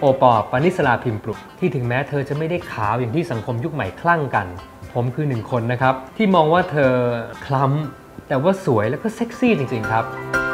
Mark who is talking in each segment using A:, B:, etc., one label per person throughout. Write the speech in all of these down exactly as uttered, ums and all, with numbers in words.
A: ปอ ปณิสราพิมพ์ปลุกที่ถึงแม้เธอจะไม่ได้ขาวอย่างที่สังคมยุคใหม่คลั่งกันผมคือหนึ่งคนนะครับที่มองว่าเธอคล้ำแต่ว่าสวยแล้วก็เซ็กซี่จริงๆครับ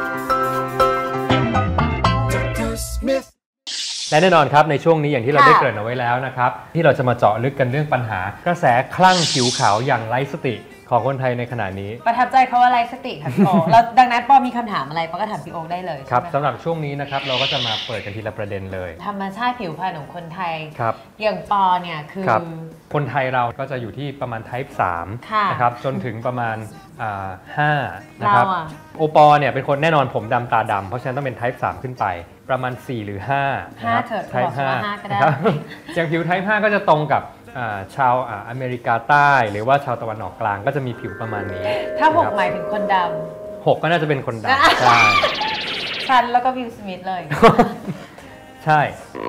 A: และแน่นอนครับในช่วงนี้อย่างที่เราได้เกริ่นเอาไว้แล้วนะครับที่เราจะมาเจาะลึกกันเรื่องปัญหากระแสคลั่งผิวขาวอย่างไร้สติของคนไทยในขณะนี้
B: ประทับใจเขาว่าไร้สติค่ะพี่โอ๊คแล้วดังนั้นปอมีคำถามอะไรปอก็ถามพี่โอ๊คได้เลย
A: ครับสำหรับช่วงนี้นะครับเราก็จะมาเปิดกันทีละประเด็นเลย
B: ธรรมชาติผิวพรรณของคนไทย
A: ครับ
B: อย่างปอเนี่ยคือ
A: คนไทยเราก็จะอยู่ที่ประมาณ Type สามนะครับจนถึงประมาณห้านะครับโอปอเนี่ยเป็นคนแน่นอนผมดำตาดำเพราะฉะนั้นต้องเป็น Type สามขึ้นไปประมาณสี่หรือห้า
B: นะครับ Type ห้า
A: นะครับอย่างผิว Type ห้าก็จะตรงกับชาวอเมริกาใต้หรือว่าชาวตะวันออกกลางก็จะมีผิวประมาณนี้
B: ถ้าหกหมายถึงคนดำ
A: หกก็น่าจะเป็นคนดำใช่
B: ฉันแล้วก็วิลสมิธเลย
A: ใช่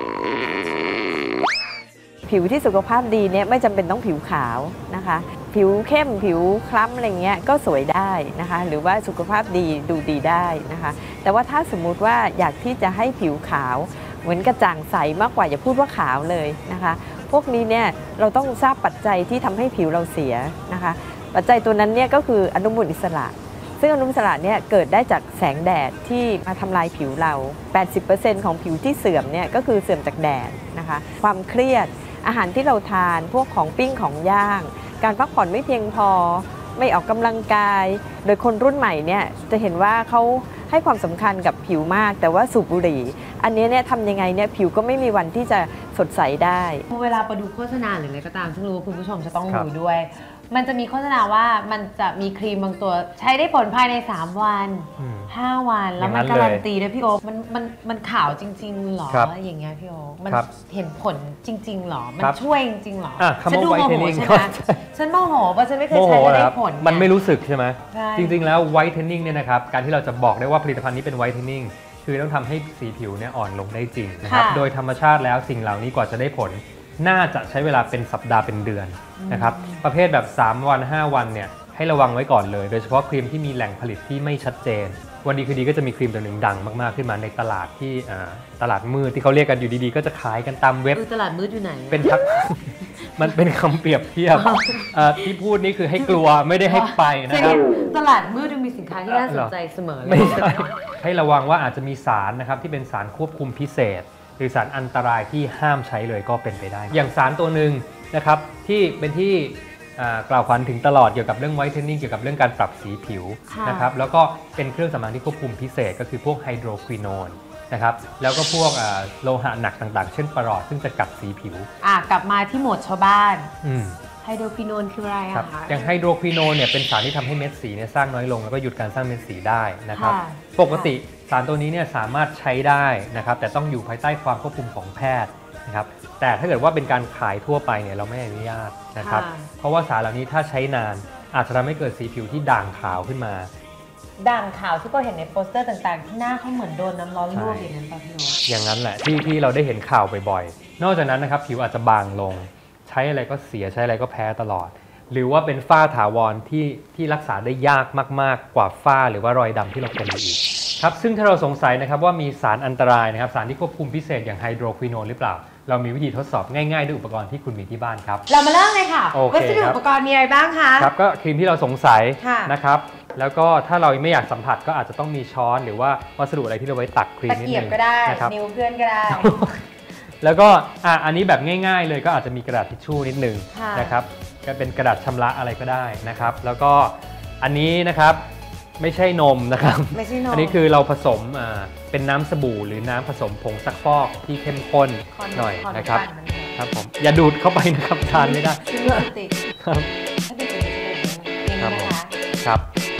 C: ผิวที่สุขภาพดีเนี่ยไม่จำเป็นต้องผิวขาวนะคะผิวเข้มผิวคล้ำอะไรเงี้ยก็สวยได้นะคะหรือว่าสุขภาพดีดูดีได้นะคะแต่ว่าถ้าสมมุติว่าอยากที่จะให้ผิวขาวเหมือนกระจ่างใสมากกว่าอย่าพูดว่าขาวเลยนะคะพวกนี้เนี่ยเราต้องทราบปัจจัยที่ทำให้ผิวเราเสียนะคะปัจจัยตัวนั้นเนี่ยก็คืออนุมูลอิสระซึ่งอนุมูลอิสระเนี่ยเกิดได้จากแสงแดดที่มาทำลายผิวเรา แปดสิบเปอร์เซ็นต์ ของผิวที่เสื่อมเนี่ยก็คือเสื่อมจากแดดนะคะความเครียดอาหารที่เราทานพวกของปิ้งของย่างการพักผ่อนไม่เพียงพอไม่ออกกำลังกายโดยคนรุ่นใหม่เนี่ยจะเห็นว่าเขาให้ความสำคัญกับผิวมากแต่ว่าสูบบุหรี่อันนี้เนี่ยทำยังไงเนี่ยผิวก็ไม่มีวันที่จะสดใสได้
B: เวลาไปดูโฆษณาหรืออะไรก็ตามซึ่งรู้ว่าคุณผู้ชมจะต้องดูด้วยมันจะมีโฆษณาว่ามันจะมีครีมบางตัวใช้ได้ผลภายในสามวันห้าวันแล้วมันการันตีด้วยพี่โอ๊คมันมันมันขาวจริงๆหรออย่างเงี้ยพี่โอ๊คมันเห็นผลจริงๆหรอมันช่วยจริงๆหรอฉันดูโมโหใช่ไหมฉันโมโหเพราะฉันไม่เคยใช้ได้ผล
A: มันไม่รู้สึกใช่ไหมจริงๆแล้วไวท์เทนนิ่งเนี่ยนะครับการที่เราจะบอกได้ว่าผลิตภัณฑ์นี้เป็นไวท์เทนนิ่งคือต้องทำให้สีผิวเนี่ยอ่อนลงได้จริงนะครับโดยธรรมชาติแล้วสิ่งเหล่านี้กว่าจะได้ผลน่าจะใช้เวลาเป็นสัปดาห์เป็นเดือนนะครับประเภทแบบสามวันห้าวันเนี่ยให้ระวังไว้ก่อนเลยโดยเฉพาะครีมที่มีแหล่งผลิตที่ไม่ชัดเจนวันดีคือดีก็จะมีครีมตัวหนึ่งดังมากๆขึ้นมาในตลาดที่ตลาดมืดที่เขาเรียกกันอยู่ดีๆก็จะขายกันตามเว็บ
B: ตลาดมืดอยู่ไหน
A: เป็นทักมันเป็นคำเปรียบเทียบที่พูดนี่คือให้กลัวไม่ได้ให้ไปนะครับ
B: ตลาดมืดมีสินค้าที่น่าสนใจเสมอเลย
A: ไม่ใช่ให้ระวังว่าอาจจะมีสารนะครับที่เป็นสารควบคุมพิเศษหรือสารอันตรายที่ห้ามใช้เลยก็เป็นไปได้อย่างสารตัวหนึ่งนะครับที่เป็นที่กล่าวขวัญถึงตลอดเกี่ยวกับเรื่องไวท์เทนนิ่งเกี่ยวกับเรื่องการปรับสีผิวนะครับแล้วก็เป็นเครื่องสำอางที่ควบคุมพิเศษก็คือพวกไฮโดรควิโนนนะครับแล้วก็พวกโลหะหนักต่างๆเช่นปรอดซึ่งจะกัดสีผิว
B: อ่ะกลับมาที่โหมดชาวบ้านไฮโดรควิโนนคืออะไรอะคะ
A: อย่างไฮโดรควิโนนเนี่ยเป็นสารที่ทำให้เม็ดสีเนี่ยสร้างน้อยลงแล้วก็หยุดการสร้างเม็ดสีได้นะครับปกติสารตัวนี้เนี่ยสามารถใช้ได้นะครับแต่ต้องอยู่ภายใต้ความควบคุมของแพทย์นะครับแต่ถ้าเกิดว่าเป็นการขายทั่วไปเนี่ยเราไม่อนุญาตนะครับเพราะว่าสารเหล่านี้ถ้าใช้นานอาจจะทำให้เกิดสีผิวที่ด่างขาวขึ้นมา
B: ด่างขาวที่ก็เห็นในโปสเตอร์ต่างๆที่หน้าเขาเหมือนโดนน้ำร้อนลวกอย่างนั้นป่ะพี่โอ๊ค
A: อย่างนั้นแหละที่ที่เราได้เห็นข่าวบ่อยๆนอกจากนั้นนะครับผิวอาจจะบางลงใช้อะไรก็เสียใช้อะไรก็แพ้ตลอดหรือว่าเป็นฝ้าถาวรที่ที่รักษาได้ยากมากๆกว่าฝ้าหรือว่ารอยดำที่เราเป็นอยู่อีกครับซึ่งถ้าเราสงสัยนะครับว่ามีสารอันตรายนะครับสารที่ควบคุมพิเศษอย่างไฮโดรควิโนนหรือเปล่าเรามีวิธีทดสอบง่ายๆด้วยอุปกรณ์ที่คุณมีที่บ้านครับ
B: เรามาเริ่มเลยค่ะวัสดุอุปกรณ์มีอะไรบ้างคะ
A: ครับก็ครีมที่เราสงสัยนะครับแล้วก็ถ้าเราไม่อยากสัมผัสก็อาจจะต้องมีช้อนหรือว่าวัสดุอะไรที่เราไว้ตักครีมนิดนึง
B: ก็ได้นิ้วเพื่อนก็ได้
A: แล้วก็อ่ะอันนี้แบบง่ายๆเลยก็อาจจะมีกระดาษทิชชู่นิดนึงนะครับก็เป็นกระดาษชำระอะไรก็ได้นะครับแล้วก็อันนี้นะครับไม่ใช่นมนะครับ
B: ไม่ใช่นม
A: อันนี้คือเราผสมอ่าเป็นน้ำสบู่หรือน้ำผสมผงซักฟอกที่เข้มข้นหน่อยนะครับครับผมอย่าดูดเข้าไปนะครับทานไม่ได้ครับถ้าติดจะเป็นอย่างนี้นะคะครับ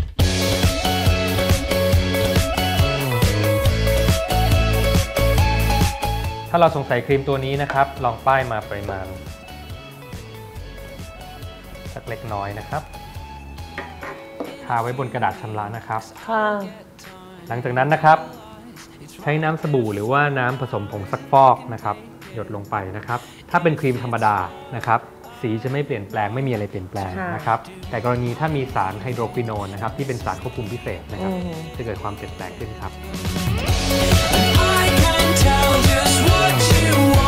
A: ถ้าเราสงสัยครีมตัวนี้นะครับลองป้ายมาปริมาณสักเล็กน้อยนะครับทาไว้บนกระดาษชำระนะครับหลังจากนั้นนะครับใช้น้ำสบู่หรือว่าน้ำผสมผงซักฟอกนะครับหยดลงไปนะครับถ้าเป็นครีมธรรมดานะครับสีจะไม่เปลี่ยนแปลงไม่มีอะไรเปลี่ยนแปลงนะครับแต่กรณีถ้ามีสารไฮโดรควิโนนนะครับที่เป็นสารควบคุมพิเศษนะครับจะเกิดความเปลี่ยนแปลงขึ้นครับ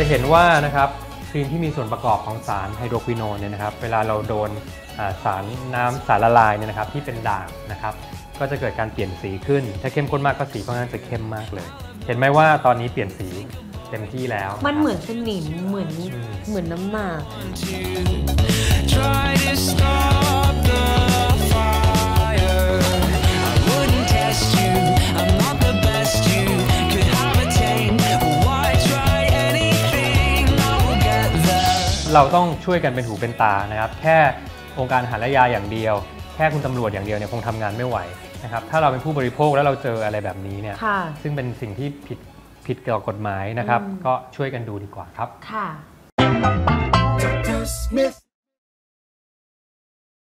A: เห็นว่านะครับครีมที่มีส่วนประกอบของสารไฮโดรควิโนนเนี่ยนะครับเวลาเราโดนสารน้ำสารละลายเนี่ยนะครับที่เป็นด่างนะครับก็จะเกิดการเปลี่ยนสีขึ้นถ้าเข้มข้นมากก็สีก็น่าจะเข้มมากเลยเห็นไหมว่าตอนนี้เปลี่ยนสีเต็มที่แล้ว
B: มันเหมือนสนิมเหมือนเหมือนน้ำหมาก
A: เราต้องช่วยกันเป็นหูเป็นตานะครับแค่องค์การอาหารและยาอย่างเดียวแค่คุณตำรวจอย่างเดียวเนี่ยคงทำงานไม่ไหวนะครับถ้าเราเป็นผู้บริโภคแล้วเราเจออะไรแบบนี้เนี่ยซึ่งเป็นสิ่งที่ผิดผิดเกี่ยวกับกฎหมายนะครับก็ช่วยกันดูดีกว่าครับ
B: ค่ะ